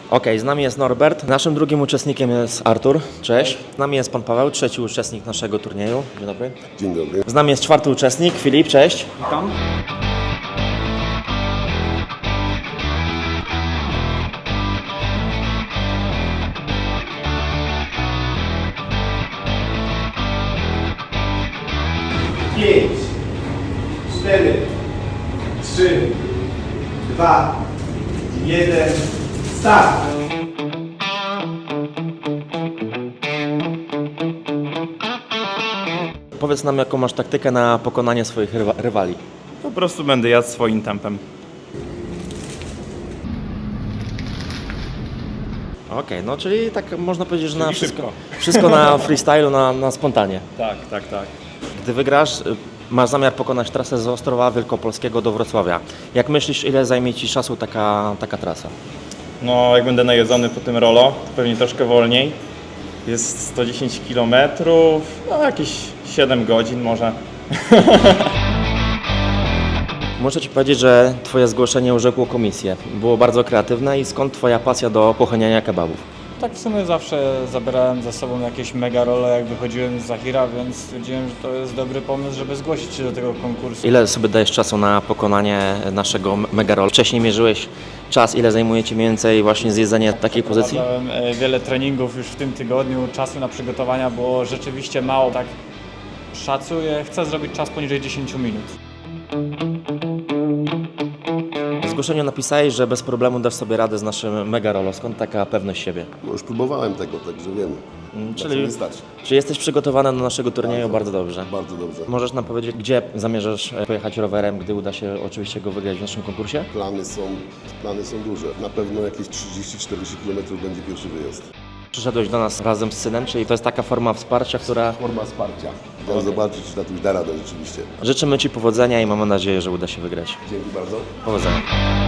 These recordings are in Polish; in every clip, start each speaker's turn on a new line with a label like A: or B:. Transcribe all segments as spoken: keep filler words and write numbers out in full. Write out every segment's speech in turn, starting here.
A: Okej, z nami jest Norbert, naszym drugim uczestnikiem jest Artur, cześć. Z nami jest pan Paweł, trzeci uczestnik naszego turnieju, dzień dobry.
B: Dzień dobry.
A: Z nami jest czwarty uczestnik, Filip, cześć.
C: Witam.
D: pięć, cztery, trzy, dwa, jeden, start!
A: Powiedz nam, jaką masz taktykę na pokonanie swoich rywa rywali.
C: Po prostu będę jadł swoim tempem.
A: Okej, no czyli tak można powiedzieć, że na
C: Czyli
A: wszystko,
C: szybko.
A: wszystko na freestylu, na, na spontanie.
C: Tak, tak, tak.
A: Gdy wygrasz, y, masz zamiar pokonać trasę z Ostrowa Wielkopolskiego do Wrocławia. Jak myślisz, ile zajmie ci czasu taka, taka trasa?
C: No, jak będę najedzony po tym rolo, to pewnie troszkę wolniej. Jest sto dziesięć kilometrów, no jakieś siedem godzin może.
A: Muszę ci powiedzieć, że twoje zgłoszenie urzekło komisję. Było bardzo kreatywne i skąd twoja pasja do pochłaniania kebabów?
E: Tak w sumie zawsze zabierałem ze sobą jakieś mega role, jak wychodziłem z Zahira, więc stwierdziłem, że to jest dobry pomysł, żeby zgłosić się do tego konkursu.
A: Ile sobie dajesz czasu na pokonanie naszego mega roll? Wcześniej mierzyłeś czas, ile zajmuje ci mniej więcej właśnie zjedzenie takiej pozycji?
E: Przeprowadzałem e, wiele treningów już w tym tygodniu, czasu na przygotowania było rzeczywiście mało, tak szacuję, chcę zrobić czas poniżej dziesięć minut.
A: W zgłoszeniu napisałeś, że bez problemu dasz sobie radę z naszym mega rollo. Skąd taka pewność siebie?
B: No już próbowałem tego, także wiem.
A: Mm,
B: Na co
A: czyli-
B: mi stać.
A: Czy jesteś przygotowany do naszego turnieju? Bardzo dobrze.
B: Bardzo dobrze.
A: Możesz nam powiedzieć, gdzie zamierzasz e, pojechać rowerem, gdy uda się oczywiście go wygrać w naszym konkursie?
B: Plany są, plany są duże. Na pewno jakieś trzydzieści czterdzieści kilometrów będzie pierwszy wyjazd.
A: Przyszedłeś do nas razem z synem, czyli to jest taka forma wsparcia, która...
B: Forma wsparcia. Chciałem zobaczyć, czy tatuś da radę rzeczywiście.
A: Życzymy ci powodzenia i mamy nadzieję, że uda się wygrać.
B: Dzięki bardzo.
A: Powodzenia.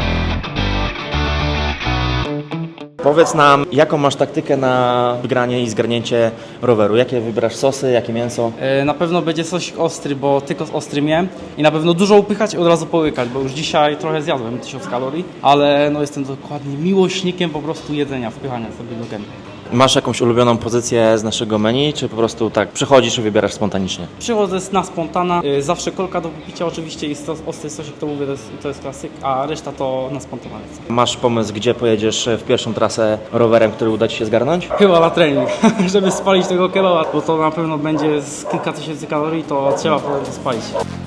A: Powiedz nam, jaką masz taktykę na wygranie i zgarnięcie roweru? Jakie wybrasz sosy, jakie mięso?
F: E, Na pewno będzie coś ostry, bo tylko z ostrym jem i na pewno dużo upychać i od razu połykać, bo już dzisiaj trochę zjadłem, tysiąc kalorii, ale no jestem dokładnie miłośnikiem po prostu jedzenia, wpychania sobie do gęby.
A: Masz jakąś ulubioną pozycję z naszego menu, czy po prostu tak przychodzisz i wybierasz spontanicznie?
F: Przychodzę na spontana, e, zawsze kolka do wypicia oczywiście i sos, ostry sosik, to mówię, to jest, to jest klasyk, a reszta to na spontana lecę.
A: Masz pomysł, gdzie pojedziesz w pierwszą trasę rowerem, który uda ci się zgarnąć?
F: Chyba na trening, żeby spalić tego kebaba, bo to na pewno będzie z kilka tysięcy kalorii, to trzeba po prostu spalić.